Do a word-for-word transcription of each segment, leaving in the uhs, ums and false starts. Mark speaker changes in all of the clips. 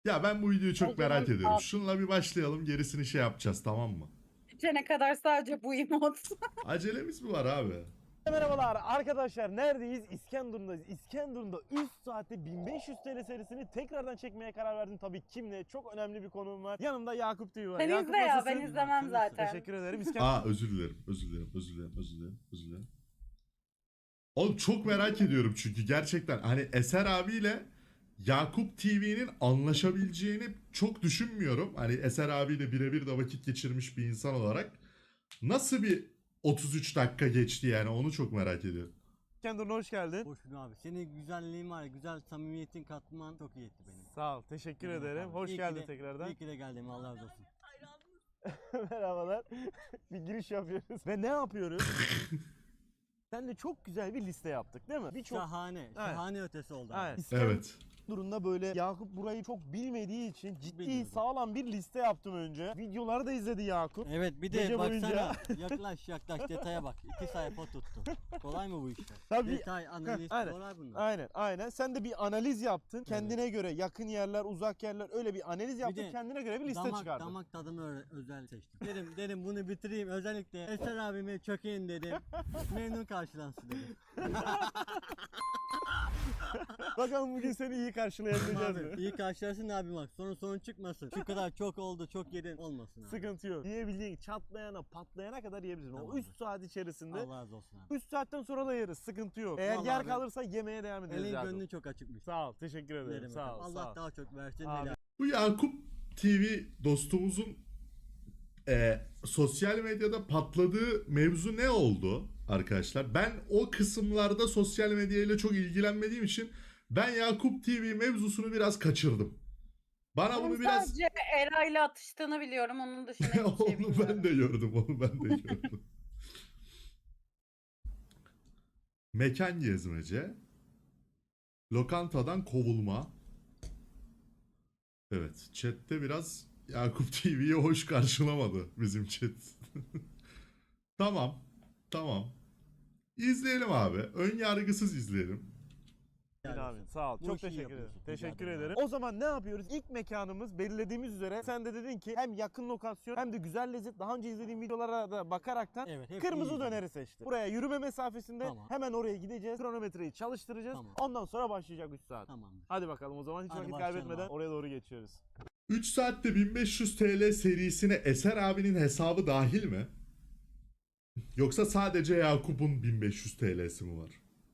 Speaker 1: Ya ben bu videoyu çok
Speaker 2: O zaman
Speaker 1: merak ediyorum.
Speaker 2: al.
Speaker 1: Şununla bir başlayalım, gerisini şey yapacağız, tamam mı?
Speaker 2: Bitene kadar sadece bu emot.
Speaker 1: Acelemiz mi var abi?
Speaker 3: Merhabalar arkadaşlar, neredeyiz? İskenderun'dayız. İskenderun'da üst saati bin beş yüz T L serisini tekrardan çekmeye karar verdim. Tabii kimle? Çok önemli bir konuğum var. Yanımda Yakup T V var.
Speaker 2: Sen
Speaker 3: Yakup
Speaker 2: izle ya,
Speaker 3: nasılsın?
Speaker 2: ben izlemem zaten.
Speaker 3: Teşekkür ederim. İskender...
Speaker 1: Aa özür dilerim, özür dilerim, özür dilerim, özür dilerim, özür dilerim. Oğlum çok merak ediyorum çünkü gerçekten hani Eser abiyle Yakup T V'nin anlaşabileceğini çok düşünmüyorum. Hani Eser abiyle birebir de vakit geçirmiş bir insan olarak. Nasıl bir otuz üç dakika geçti yani, onu çok merak ediyorum.
Speaker 3: İskenderun'a hoş geldin.
Speaker 4: Hoş bulduk abi. Senin güzelliğin var, güzel samimiyetin katman çok iyi etti benim.
Speaker 3: Sağ ol, teşekkür
Speaker 4: Ne demek
Speaker 3: ederim.
Speaker 4: abi.
Speaker 3: Hoş
Speaker 4: İyi ki
Speaker 3: geldin
Speaker 4: de-
Speaker 3: tekrardan.
Speaker 4: İyi ki de geldim, Allah razı olsun.
Speaker 3: Merhabalar. Bir giriş yapıyoruz. Ve ne yapıyoruz? Sen de çok güzel bir liste yaptık değil mi? Birçok
Speaker 4: Şahane, şahane ötesi oldu. abi.
Speaker 3: Evet.
Speaker 1: Evet.
Speaker 3: durumda böyle Yakup burayı çok bilmediği için ciddi
Speaker 4: Bilmiyorum.
Speaker 3: sağlam bir liste yaptım önce. Videoları da izledi Yakup.
Speaker 4: Evet, bir
Speaker 3: Gece
Speaker 4: de
Speaker 3: boyunca.
Speaker 4: baksana, yaklaş yaklaş detaya bak. İki sayfa tuttu. Kolay mı bu işler?
Speaker 3: Tabii.
Speaker 4: Detay, analiz,
Speaker 3: aynen.
Speaker 4: kolay bunlar.
Speaker 3: Aynen aynen. Sen de bir analiz yaptın. Kendine göre yakın yerler, uzak yerler öyle bir analiz yaptın.
Speaker 4: de
Speaker 3: Kendine göre bir liste
Speaker 4: damak,
Speaker 3: çıkardın.
Speaker 4: damak tadımı ö- özel seçtim. Dedim, dedim bunu bitireyim, özellikle Eser abime çökeyim dedim. Memnun karşılansın dedim.
Speaker 3: Bakalım bugün seni iyi karşılayabileceğiz mi?
Speaker 4: Abi, iyi karşılarsın abi bak, sonra sorun çıkmasın. Şu kadar çok oldu, çok yedin olmasın abi.
Speaker 3: Sıkıntı yok. Yiyebildiğin çatlayana, patlayana kadar yiyebilirsin.
Speaker 4: Tamam.
Speaker 3: O üç saat içerisinde.
Speaker 4: Allah razı olsun abi.
Speaker 3: üç saatten sonra da yeriz. Sıkıntı yok. Eğer
Speaker 4: Vallahi
Speaker 3: yer
Speaker 4: abi.
Speaker 3: kalırsa yemeye devam ederiz.
Speaker 4: Elin
Speaker 3: Yakup.
Speaker 4: gönlün çok açıkmış.
Speaker 3: Sağ ol. Teşekkür ederim.
Speaker 4: Dilerim
Speaker 3: Sağ ol.
Speaker 4: efendim.
Speaker 3: sağ
Speaker 4: Allah
Speaker 3: ol.
Speaker 4: daha çok versin.
Speaker 3: Abi.
Speaker 4: helal.
Speaker 1: Bu Yakup T V dostumuzun e, sosyal medyada patladığı mevzu ne oldu arkadaşlar? Ben o kısımlarda sosyal medyayla çok ilgilenmediğim için ben Yakup T V mevzusunu biraz kaçırdım. Bana
Speaker 2: Onun
Speaker 1: bunu biraz...
Speaker 2: sadece Eray'la atıştığını biliyorum. Onun dışında hiçbir şey
Speaker 1: Onu
Speaker 2: bilmiyorum.
Speaker 1: ben de gördüm, onu ben de gördüm. Mekan gezmece, lokantadan kovulma. Evet, chatte biraz Yakup T V'yi hoş karşılamadı bizim chat. Tamam, tamam. İzleyelim abi. Ön yargısız izleyelim.
Speaker 4: Helal
Speaker 3: Abi,
Speaker 4: olsun.
Speaker 3: sağ ol.
Speaker 4: Bu
Speaker 3: Çok
Speaker 4: işi
Speaker 3: teşekkür ederim.
Speaker 4: yapıyorsun. Rica
Speaker 3: Teşekkür
Speaker 4: ederim
Speaker 3: ederim.
Speaker 4: abi.
Speaker 3: O zaman ne yapıyoruz? İlk mekanımız belirlediğimiz üzere sen de dedin ki hem yakın lokasyon hem de güzel lezzet. Daha önce izlediğim videolara da bakaraktan
Speaker 4: Evet, hep
Speaker 3: kırmızı
Speaker 4: iyi
Speaker 3: döneri seçtim. Buraya yürüme mesafesinde
Speaker 4: Tamam.
Speaker 3: hemen oraya gideceğiz. Kronometreyi çalıştıracağız.
Speaker 4: Tamam.
Speaker 3: Ondan sonra başlayacak üç saat.
Speaker 4: Tamamdır.
Speaker 3: Hadi bakalım o zaman hiç
Speaker 4: Hadi
Speaker 3: vakit
Speaker 4: başlayalım
Speaker 3: kaybetmeden
Speaker 4: abi.
Speaker 3: oraya doğru geçiyoruz.
Speaker 1: üç saatte bin beş yüz T L serisine Eser abinin hesabı dahil mi? Yoksa sadece Yakup'un bin beş yüz T L'si mi var?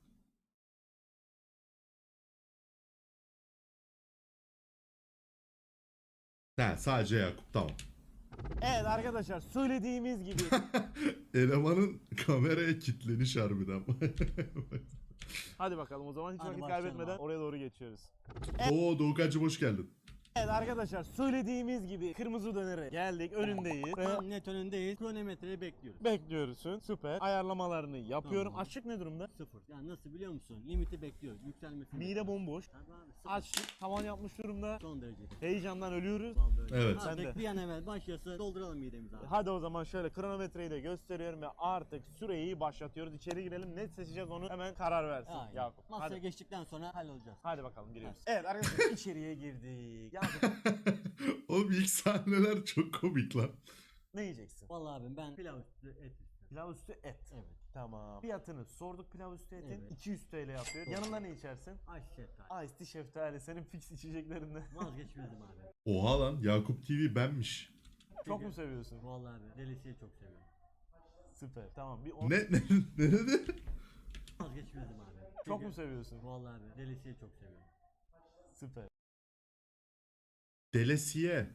Speaker 1: He, sadece Yakup, tamam.
Speaker 3: Evet arkadaşlar söylediğimiz gibi
Speaker 1: Elemanın kameraya kilitleniş harbiden.
Speaker 3: hadi bakalım o zaman hiç
Speaker 4: Hadi
Speaker 3: vakit
Speaker 4: başlayalım
Speaker 3: kaybetmeden
Speaker 4: abi.
Speaker 3: oraya doğru geçiyoruz.
Speaker 1: Oo Doğukancım hoş geldin.
Speaker 3: Evet arkadaşlar söylediğimiz gibi kırmızı dönere geldik önündeyiz. Ve
Speaker 4: Tam net önündeyiz. Kronometreyi bekliyoruz.
Speaker 3: bekliyorsun. Süper. Ayarlamalarını yapıyorum.
Speaker 4: Tamam.
Speaker 3: Açlık ne durumda?
Speaker 4: Sıfır. Yani nasıl biliyor musun? Limiti bekliyoruz. Yükselmesini.
Speaker 3: Mide bomboş.
Speaker 4: Tabii abi, sıfır.
Speaker 3: Açlık tavan yapmış durumda.
Speaker 4: Son derece.
Speaker 3: Heyecandan ölüyoruz.
Speaker 4: Vallahi öyle.
Speaker 1: Evet.
Speaker 4: Abi,
Speaker 3: Sen de.
Speaker 4: bir an evvel başlasın. Dolduralım midemizi abi.
Speaker 3: Hadi o zaman şöyle kronometreyi de gösteriyorum ve artık süreyi başlatıyoruz. İçeri girelim. Ne seçeceğiz onu hemen karar versin
Speaker 4: Aynen.
Speaker 3: Yakup.
Speaker 4: Masaya
Speaker 3: Hadi.
Speaker 4: geçtikten sonra hallolacağız.
Speaker 3: Hadi bakalım giriyoruz. Evet arkadaşlar içeriye girdik. Yakup
Speaker 1: Oğlum ilk sahneler çok komik lan.
Speaker 3: ne yiyeceksin?
Speaker 4: Vallahi abi ben pilav üstü et isterim.
Speaker 3: Pilav üstü et.
Speaker 4: Evet.
Speaker 3: Tamam. Fiyatını sorduk pilav üstü etin.
Speaker 4: Evet.
Speaker 3: iki yüz T L yapıyor. Yanında ne içersin?
Speaker 4: Ayşe şeftali.
Speaker 3: Ice tea şeftali senin fix içeceklerinden.
Speaker 4: Vazgeçmedim abi.
Speaker 1: Oha lan, Yakup T V benmiş.
Speaker 3: Çok mu seviyorsun?
Speaker 4: Vallahi abi delisiyi çok seviyorum.
Speaker 3: Süper. Tamam. Bir on...
Speaker 1: Ne ne ne dedi?
Speaker 4: Vazgeçmedim abi.
Speaker 3: Çok mu seviyorsun?
Speaker 4: Vallahi abi delisiyi çok seviyorum.
Speaker 3: Süper.
Speaker 1: Delesiye.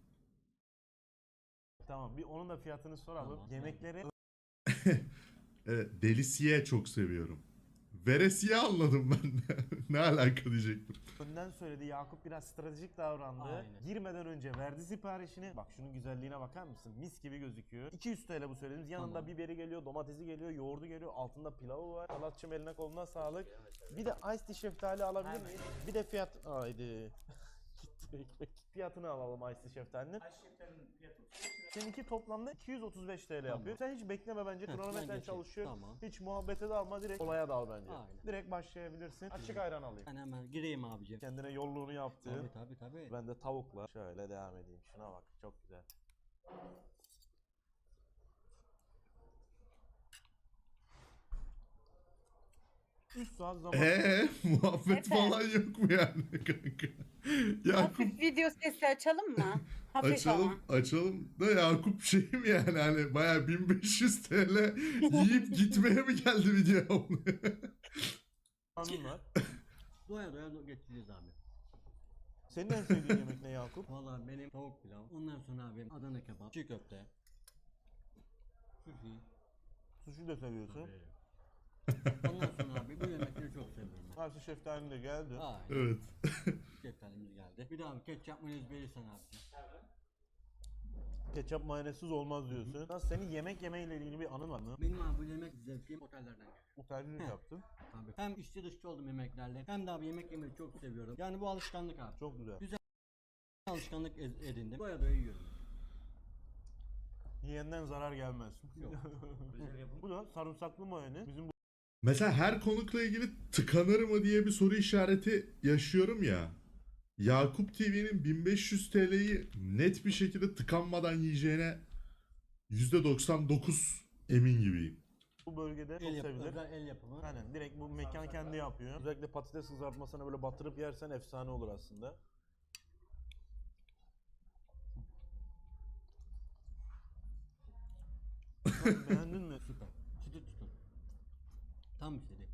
Speaker 3: Tamam. Bir onun da fiyatını soralım.
Speaker 4: Tamam.
Speaker 3: Yemekleri
Speaker 1: Evet, delisiye çok seviyorum. Veresiye anladım ben de. Ne alaka diyecektim.
Speaker 3: önden söyledi. Yakup biraz stratejik davrandı.
Speaker 4: Aynen.
Speaker 3: Girmeden önce verdi siparişini. Bak şunun güzelliğine bakar mısın? Mis gibi gözüküyor. iki yüz T L bu söylediğimiz. Yanında
Speaker 4: Tamam.
Speaker 3: biberi geliyor, domatesi geliyor, yoğurdu geliyor. Altında pilavı var. Salatçım eline koluna sağlık. Bir de ice tea şeftali alabilir
Speaker 4: Aynen.
Speaker 3: miyiz? Bir de fiyat... Haydi. Gitti ekmek. Fiyatını alalım ice tea şeftalinin.
Speaker 5: Ayşe şeftalinin fiyatı otuz beş lira.
Speaker 3: Seninki toplamda iki yüz otuz beş T L
Speaker 4: Tamam.
Speaker 3: yapıyor. Sen hiç bekleme bence.
Speaker 4: Heh, ben
Speaker 3: Kronometren
Speaker 4: geçeyim.
Speaker 3: çalışıyor.
Speaker 4: Tamam.
Speaker 3: Hiç muhabbete dalma, direkt olaya dal bence.
Speaker 4: Aynen.
Speaker 3: Direkt başlayabilirsin. Açık ayran alayım.
Speaker 4: Ben hemen gireyim abicim.
Speaker 3: Kendine yolluğunu yaptı.
Speaker 4: Tabii tabii tabii.
Speaker 3: Ben de tavukla şöyle devam edeyim. Şuna bak, çok güzel. üç saat zaman.
Speaker 1: Eee muhabbet
Speaker 2: Efe.
Speaker 1: falan yok mu yani kanka? Yakup
Speaker 2: Hafif video sesi açalım mı? Hafif
Speaker 1: açalım
Speaker 2: ama.
Speaker 1: açalım da Yakup şey mi yani hani baya bin beş yüz T L yiyip gitmeye mi geldi video?
Speaker 3: Anın var.
Speaker 4: Doya doya do- geçeceğiz abi.
Speaker 3: Senin en sevdiğin yemek ne Yakup?
Speaker 4: Vallahi benim tavuk pilav. Ondan sonra abi Adana kebap, çiğ köfte. Sushi.
Speaker 3: Sushi de seviyorsun.
Speaker 4: Tabii. Ondan sonra abi bu yemekleri çok seviyorum. ben.
Speaker 3: Karşı şeftalin de geldi.
Speaker 4: Aynen.
Speaker 1: Evet.
Speaker 4: Şeftalimiz geldi. Bir daha abi ketçap mayonez verirsen abi.
Speaker 3: Ketçap mayonezsiz olmaz diyorsun. Nasıl, senin yemek yemeyle ilgili bir anın var mı?
Speaker 4: Benim abi bu yemek zevkim otellerden geliyor.
Speaker 3: Otelcilik
Speaker 4: Heh.
Speaker 3: yaptın.
Speaker 4: Tabii. Hem içli dışlı oldum yemeklerle hem de abi yemek yemeyi çok seviyorum. Yani bu alışkanlık abi.
Speaker 3: Çok güzel.
Speaker 4: Alışkanlık ez- edindim. Doya doya yiyorum.
Speaker 3: Yiyenden zarar gelmez.
Speaker 4: Yok.
Speaker 3: Bu da sarımsaklı mayonez. Bizim bu
Speaker 1: Mesela her konukla ilgili tıkanır mı diye bir soru işareti yaşıyorum ya. Yakup T V'nin bin beş yüz T L'yi net bir şekilde tıkanmadan yiyeceğine yüzde doksan dokuz emin gibiyim.
Speaker 3: bu bölgede çok
Speaker 4: El yapımı,
Speaker 3: sevilir.
Speaker 4: özel el yapımı.
Speaker 3: Aynen, direkt bu mekan kendi yapıyor. Özellikle patates kızartmasına böyle batırıp yersen efsane olur aslında. Nasıl, beğendin mi?
Speaker 4: Süper. Çıtır çıtır. Tam istedi.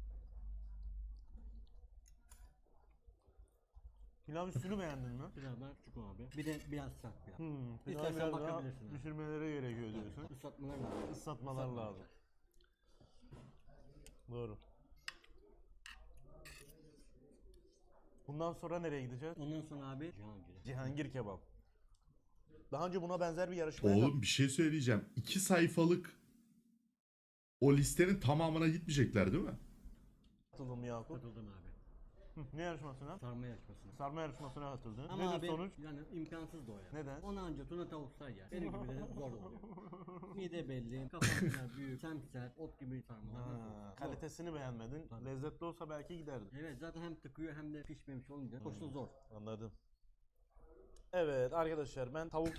Speaker 3: Pilav üstünü beğendin mi?
Speaker 4: Pilavlar küçük abi. Bir de biraz sert pilav.
Speaker 3: Hmm, pilavı
Speaker 4: İstersen
Speaker 3: biraz daha
Speaker 4: bakabilirsin abi.
Speaker 3: pişirmeleri gerekiyor diyorsun.
Speaker 4: Islatmalar lazım.
Speaker 3: Islatmalar lazım. Doğru. Bundan sonra nereye gideceğiz?
Speaker 4: Ondan sonra abi Cihangir'e.
Speaker 3: Cihangir kebap. Daha önce buna benzer bir yarışmaya
Speaker 1: Oğlum bir şey söyleyeceğim. İki sayfalık o listenin tamamına gitmeyecekler değil mi?
Speaker 3: katıldım Yakup.
Speaker 4: Katıldım abi.
Speaker 3: Hı, ne yarışmasına?
Speaker 4: Sarma yarışmasına.
Speaker 3: Sarma yarışmasına katıldın.
Speaker 4: Ama
Speaker 3: Nedir
Speaker 4: abi
Speaker 3: sonuç?
Speaker 4: yani imkansız da o ya.
Speaker 3: Neden?
Speaker 4: Ona anca tuna tavuklar yer. Benim gibi de zor oluyor. Mide belli, kafam kadar büyük, semsert, ot gibi sarmalar.
Speaker 3: Ha,
Speaker 4: Zor.
Speaker 3: kalitesini beğenmedin.
Speaker 4: Tabii.
Speaker 3: Lezzetli olsa belki giderdin.
Speaker 4: Evet zaten hem tıkıyor hem de pişmemiş olunca koşu zor.
Speaker 3: Anladım. Evet arkadaşlar, ben tavuk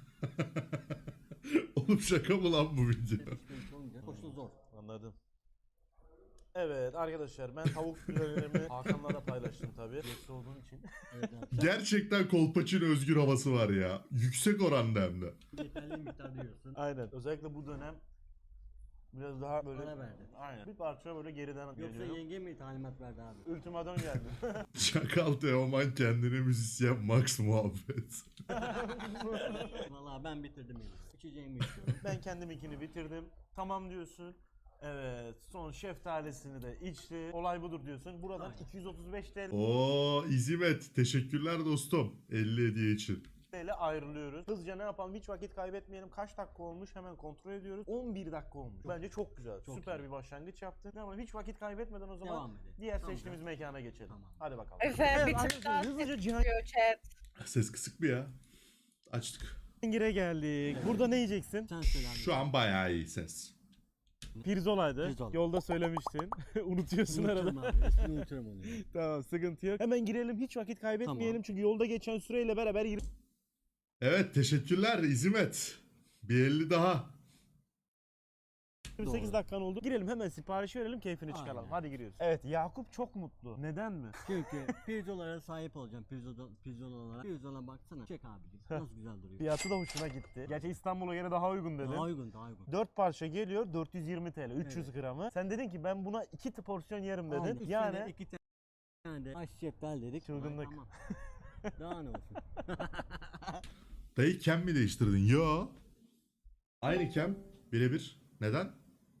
Speaker 1: Oğlum şaka mı lan bu video?
Speaker 4: Pişmemiş olunca koşu zor.
Speaker 3: Anladım. Evet arkadaşlar, ben tavuk filelerimi Hakan'la paylaştım tabii. Yetkili olduğum için.
Speaker 4: Evet abi.
Speaker 1: Gerçekten Kolpaçino özgür havası var ya. Yüksek oranda hem de.
Speaker 4: Yeterli miktarda yiyorsun.
Speaker 3: Aynen. Özellikle bu dönem biraz daha böyle...
Speaker 4: Ara verdi.
Speaker 3: Aynen. Bir parça böyle geriden
Speaker 4: Yoksa
Speaker 3: geliyorum.
Speaker 4: yenge mi talimat verdi abi?
Speaker 3: Ultimadan geldi.
Speaker 1: Çakal Teoman kendine müzisyen Max muhabbet.
Speaker 4: Vallahi ben bitirdim yemeği. İçeceğimi içiyorum.
Speaker 3: Ben kendim ikini bitirdim. Tamam diyorsun. Evet. Son şeftalisini de içti. Olay budur diyorsun. Buradan
Speaker 4: Aynen.
Speaker 3: iki yüz otuz beş T L
Speaker 1: Oo İzimet. Teşekkürler dostum. elli hediye için.
Speaker 3: ile ayrılıyoruz. Hızlıca ne yapalım? Hiç vakit kaybetmeyelim. Kaç dakika olmuş? Hemen kontrol ediyoruz. on bir dakika olmuş. Bence çok güzel.
Speaker 4: Çok
Speaker 3: Süper
Speaker 4: iyi.
Speaker 3: bir başlangıç yaptın. Ama hiç vakit kaybetmeden o zaman
Speaker 4: Devam edelim.
Speaker 3: diğer
Speaker 4: Tamam.
Speaker 3: seçtiğimiz mekana geçelim.
Speaker 4: Tamam.
Speaker 3: Hadi bakalım.
Speaker 2: Efe
Speaker 3: Evet,
Speaker 2: bir tık
Speaker 3: arkadaşlar,
Speaker 2: daha
Speaker 3: hızlıca
Speaker 2: ses
Speaker 3: Cihangir'e
Speaker 2: çıkıyor chat.
Speaker 1: Ses kısık mı ya? Açtık.
Speaker 3: geldik. Burada ne yiyeceksin?
Speaker 4: Sen söyle abi.
Speaker 1: Şu an bayağı iyi ses.
Speaker 3: Pirzolaydı.
Speaker 4: Pirzola.
Speaker 3: Yolda söylemiştin. Unutuyorsun
Speaker 4: Unuturum
Speaker 3: arada.
Speaker 4: abi. Ismini unuturum onu. ya.
Speaker 3: Tamam, sıkıntı yok. Hemen girelim. Hiç vakit kaybetmeyelim.
Speaker 4: Tamam.
Speaker 3: Çünkü yolda geçen süreyle beraber
Speaker 1: Evet teşekkürler İzimet. Bir elli daha.
Speaker 3: yirmi sekiz
Speaker 4: Doğru.
Speaker 3: dakikan oldu. Girelim hemen sipariş verelim, keyfini çıkaralım.
Speaker 4: Aynen.
Speaker 3: Hadi giriyoruz. Evet, Yakup çok mutlu. Neden mi?
Speaker 4: Çünkü pirzolalara sahip olacağım. Pirzola, pirzolalara. Pirzola baksana. Çek abicim. Nasıl güzel duruyor.
Speaker 3: Fiyatı da hoşuna gitti. Gerçi İstanbul'a göre daha uygun dedin.
Speaker 4: Daha uygun daha uygun.
Speaker 3: dört parça geliyor, dört yüz yirmi T L, üç yüz gramı. Sen dedin ki ben buna iki porsiyon yerim dedin.
Speaker 4: Aynen. Üstüne
Speaker 3: Yani
Speaker 4: iki tane de aş şeftal dedik.
Speaker 3: Çılgınlık.
Speaker 4: Ay, aman. Daha ne olsun.
Speaker 1: Dayı kem mi değiştirdin? Yo. Aynı kem. Birebir. Neden?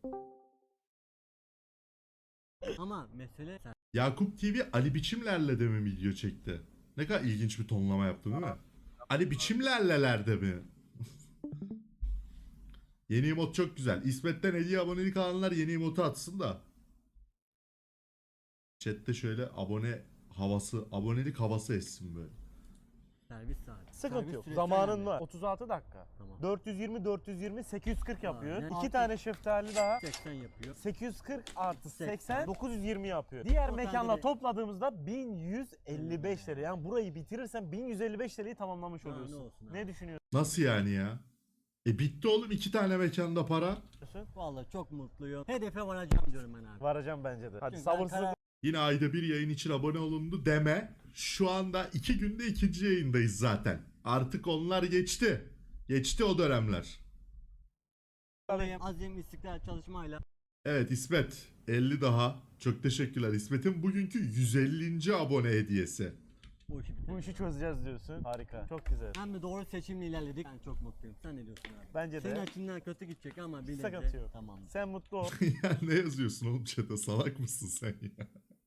Speaker 4: Ama mesele sen.
Speaker 1: Yakup T V Ali Biçimler'le de mi video çekti? Ne kadar ilginç bir tonlama yaptın değil mi? Ali Biçimler'lelerde mi? Yeni emot çok güzel. İsmet'ten hediye abonelik alanlar yeni emotu atsın da. Chat'te şöyle abone havası, abonelik havası essin böyle.
Speaker 4: Servis saati.
Speaker 3: Sıkıntı
Speaker 4: Servis
Speaker 3: yok.
Speaker 4: süresi
Speaker 3: Zamanın
Speaker 4: önemli.
Speaker 3: var. otuz altı dakika.
Speaker 4: Tamam.
Speaker 3: dört yüz yirmi dört yüz yirmi sekiz yüz kırk yapıyor.
Speaker 4: Aynen.
Speaker 3: İki
Speaker 4: Altı-
Speaker 3: tane şeftali daha
Speaker 4: seksen yapıyor.
Speaker 3: sekiz yüz kırk artı seksen
Speaker 4: seksen.
Speaker 3: dokuz yüz yirmi yapıyor. Diğer
Speaker 4: Totalde
Speaker 3: mekanla
Speaker 4: de-
Speaker 3: topladığımızda bin yüz elli beş lira. Yani burayı bitirirsen bin yüz elli beş lirayı tamamlamış
Speaker 4: Daha ne
Speaker 3: oluyorsun.
Speaker 4: olsun abi.
Speaker 3: Ne düşünüyorsun?
Speaker 1: Nasıl yani ya? E bitti oğlum iki tane mekanda para.
Speaker 4: Vallahi çok mutluyum. Hedefe varacağım diyorum ben abi.
Speaker 3: Varacağım bence de. Hadi
Speaker 4: Çünkü ben
Speaker 3: sabırsızlıkla
Speaker 4: karar-
Speaker 1: Yine ayda bir yayın için abone olundu deme. Şu anda iki günde ikinci yayındayız zaten. Artık onlar geçti. Geçti o dönemler.
Speaker 4: Azim, istiklal çalışmayla
Speaker 1: Evet İsmet elli daha. Çok teşekkürler İsmet'in bugünkü yüz ellinci abone hediyesi.
Speaker 4: bu işi bitirdim.
Speaker 3: bu işi çözeceğiz diyorsun. Harika. Çok güzel.
Speaker 4: Hem de doğru seçimle ilerledik. Ben çok mutluyum. Sen ne diyorsun abi?
Speaker 3: Bence
Speaker 4: Senin
Speaker 3: de.
Speaker 4: açından kötü gidecek ama bir
Speaker 3: Sıkıntı
Speaker 4: nebze-
Speaker 3: yok.
Speaker 4: Tamam.
Speaker 3: Sen mutlu ol.
Speaker 1: Ya ne yazıyorsun oğlum chat'e salak mısın sen ya?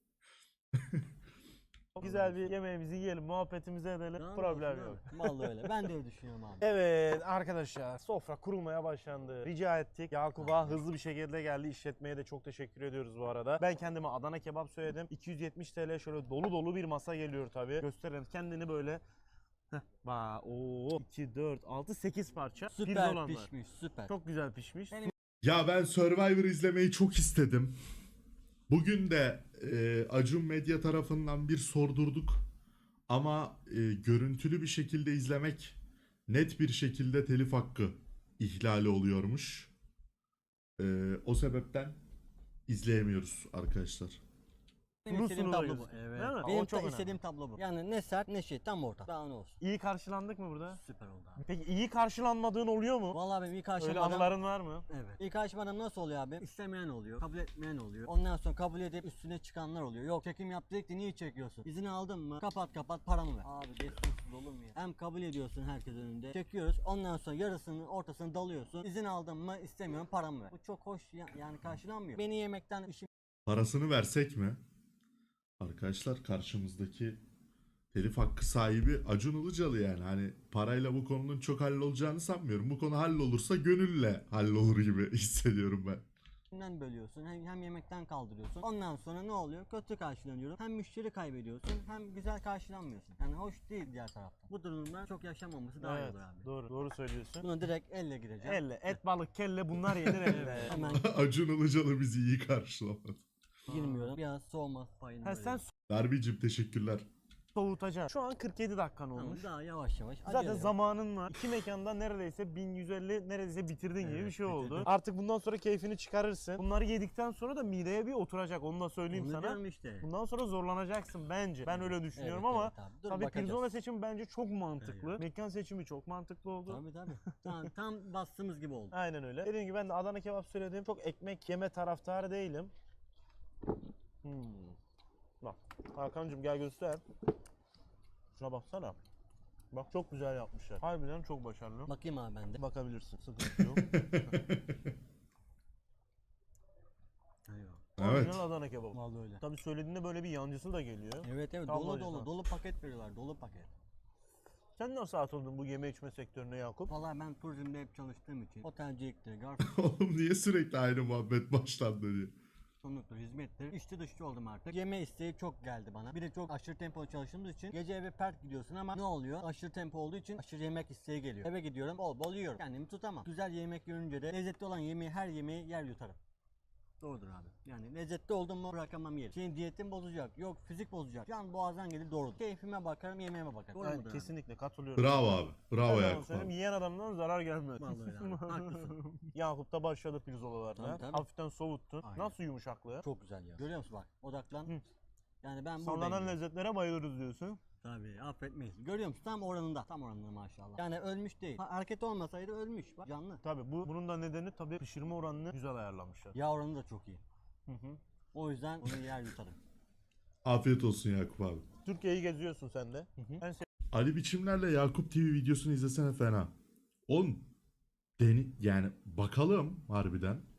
Speaker 3: Güzel bir yemeğimizi yiyelim, muhabbetimizi edelim.
Speaker 4: Tamam
Speaker 3: Problem
Speaker 4: olsun
Speaker 3: yok.
Speaker 4: abi. Vallahi öyle. Ben de öyle düşünüyorum abi.
Speaker 3: Evet arkadaşlar sofra kurulmaya başlandı. Rica ettik. Yakup'a hızlı bir şekilde geldi. İşletmeye de çok teşekkür ediyoruz bu arada. Ben kendime Adana kebap söyledim. iki yüz yetmiş TL şöyle dolu dolu bir masa geliyor tabii. Gösterelim kendini böyle. Heh, ba, oo, iki, dört, altı, sekiz parça.
Speaker 4: Süper
Speaker 3: pirzolan var.
Speaker 4: pişmiş, süper.
Speaker 3: Çok güzel pişmiş.
Speaker 4: Benim-
Speaker 1: Ya ben Survivor izlemeyi çok istedim. Bugün de e, Acun Medya tarafından bir sordurduk. Ama e, görüntülü bir şekilde izlemek net bir şekilde telif hakkı ihlali oluyormuş. E, o sebepten izleyemiyoruz arkadaşlar.
Speaker 4: Benim
Speaker 3: Sulu
Speaker 4: istediğim
Speaker 3: sulu
Speaker 4: tablo bu.
Speaker 3: gözüküyor.
Speaker 4: Evet.
Speaker 3: Değil mi? O
Speaker 4: Benim
Speaker 3: çok
Speaker 4: de
Speaker 3: önemli.
Speaker 4: istediğim tablo bu. Yani ne sert ne şey tam orta. Daha ne olsun.
Speaker 3: İyi karşılandık mı burada?
Speaker 4: Süper oldu abi.
Speaker 3: Peki iyi karşılanmadığın oluyor mu?
Speaker 4: Vallahi benim ilk
Speaker 3: Öyle
Speaker 4: aşamadan...
Speaker 3: anıların var mı?
Speaker 4: Evet. İlk aşamadan nasıl oluyor abi? İstemeyen oluyor, kabul etmeyen oluyor. Ondan sonra kabul edip üstüne çıkanlar oluyor. Yok çekim yaptık da niye çekiyorsun? İzin aldın mı? Kapat kapat paramı ver. Abi geçmişsiz olur mu ya? Hem kabul ediyorsun herkes önünde. Çekiyoruz. Ondan sonra yarısının ortasını dalıyorsun. İzin aldın mı? İstemiyorum paramı ver. Bu çok hoş ya- yani karşılanmıyor. Beni yemekten işim
Speaker 1: Parasını versek mi? Arkadaşlar karşımızdaki telif hakkı sahibi Acun Ilıcalı yani. Hani parayla bu konunun çok hallolacağını sanmıyorum. Bu konu hallolursa gönülle hallolur gibi hissediyorum ben.
Speaker 4: Hem bölüyorsun hem, hem yemekten kaldırıyorsun. Ondan sonra ne oluyor? Kötü karşılanıyorum. Hem müşteri kaybediyorsun hem güzel karşılanmıyorsun. Yani hoş değil diğer tarafta. Bu durumda çok yaşamaması daha iyi
Speaker 3: Evet,
Speaker 4: olur abi.
Speaker 3: doğru doğru söylüyorsun.
Speaker 4: Buna direkt elle gireceğim.
Speaker 3: Elle, et, balık, kelle bunlar yenir elle.
Speaker 4: Hemen
Speaker 1: Acun Ilıcalı bizi iyi karşılamadı.
Speaker 4: girmiyorum. Biraz soğuma payını
Speaker 3: Ha,
Speaker 4: böyle.
Speaker 3: sen
Speaker 1: Darbicim teşekkürler.
Speaker 3: soğutacaksın. Şu an kırk yedi dakikan
Speaker 4: Tamam,
Speaker 3: olmuş.
Speaker 4: daha yavaş yavaş.
Speaker 3: Zaten
Speaker 4: acele yok.
Speaker 3: zamanın var. İki mekanda neredeyse bin yüz elli neredeyse bitirdin gibi
Speaker 4: Evet,
Speaker 3: bir şey oldu.
Speaker 4: bitirdim.
Speaker 3: Artık bundan sonra keyfini çıkarırsın. Bunları yedikten sonra da mideye bir oturacak. Onu da söyleyeyim
Speaker 4: Onu
Speaker 3: sana.
Speaker 4: diyorum işte.
Speaker 3: Bundan sonra zorlanacaksın bence. Ben öyle düşünüyorum
Speaker 4: Evet,
Speaker 3: ama
Speaker 4: evet abi. Dur
Speaker 3: tabii
Speaker 4: bakacağız.
Speaker 3: pirzola seçimi bence çok mantıklı.
Speaker 4: Evet.
Speaker 3: Mekan seçimi çok mantıklı oldu.
Speaker 4: Tabii tabii. tam, tam bastığımız gibi oldu.
Speaker 3: Aynen öyle. Dediğim gibi ben de Adana kebap söyledim. Çok ekmek yeme taraftarı değilim. Hmm. Bak Hakan'cığım gel göster. Şuna baksana. Bak çok güzel yapmışlar. Harbiden çok başarılı.
Speaker 4: Bakayım abi ben de.
Speaker 3: Bakabilirsin. Sıkıntı yok.
Speaker 4: Eyvah.
Speaker 1: Evet.
Speaker 3: Orijinal Adana kebabı.
Speaker 4: Vallahi öyle.
Speaker 3: Tabii söylediğinde böyle bir yancısı da geliyor.
Speaker 4: Evet evet
Speaker 3: Tam
Speaker 4: dolu
Speaker 3: orijinal.
Speaker 4: dolu dolu paket veriyorlar dolu paket.
Speaker 3: Sen nasıl atıldın bu yeme içme sektörüne Yakup?
Speaker 4: Vallahi ben turizmde hep çalıştığım için otelciliktir, garson
Speaker 1: Oğlum niye sürekli aynı muhabbet başlandı diye.
Speaker 4: sonluktur, hizmettir. İşçi dışçı oldum artık. Yeme isteği çok geldi bana. Bir de çok aşırı tempo çalıştığımız için gece eve pert gidiyorsun ama ne oluyor? Aşırı tempo olduğu için aşırı yemek isteği geliyor. Eve gidiyorum bol bol yiyorum. Kendimi tutamam. Güzel yemek görünce de lezzetli olan yemeği her yemeği yer yutarım. Doğrudur abi. Yani lezzetli oldum mu bırakamam yerim. Senin diyetin bozacak. Yok fizik bozacak. Can boğazdan gelir doğrudur. Keyfime bakarım yemeğime bakarım. Doğru
Speaker 3: Yani
Speaker 4: mudur abi?
Speaker 3: kesinlikle katılıyorum.
Speaker 1: Bravo abi. Bravo
Speaker 3: Her zaman
Speaker 1: Yakup
Speaker 3: söyleyeyim,
Speaker 1: abi.
Speaker 3: yiyen adamdan zarar gelmez.
Speaker 4: Vallahi öyle abi. Haklısın.
Speaker 3: Yakup'ta başladı pirzolalarına.
Speaker 4: Tabii, tabii.
Speaker 3: Hafiften soğuttun.
Speaker 4: Aynen.
Speaker 3: Nasıl yumuşaklığı?
Speaker 4: Çok güzel ya. Görüyor musun bak odaklan.
Speaker 3: Hı.
Speaker 4: Yani ben
Speaker 3: Sallanan
Speaker 4: buradayım.
Speaker 3: lezzetlere bayılırız diyorsun.
Speaker 4: Tabii affetmeyiz. Görüyor musun? Tam oranında. Tam oranında maşallah. Yani ölmüş değil. Ha, hareket olmasaydı ölmüş. Bak canlı.
Speaker 3: Tabii bu bunun da nedeni tabii pişirme oranını güzel ayarlamışlar.
Speaker 4: Yağ oranı da çok iyi.
Speaker 3: Hı hı.
Speaker 4: O yüzden onu yer yutarım.
Speaker 1: Afiyet olsun Yakup abi.
Speaker 3: Türkiye'yi geziyorsun sen de. En
Speaker 1: Ali Biçimler'le Yakup T V videosunu izlesene fena. Oğlum deni yani bakalım harbiden.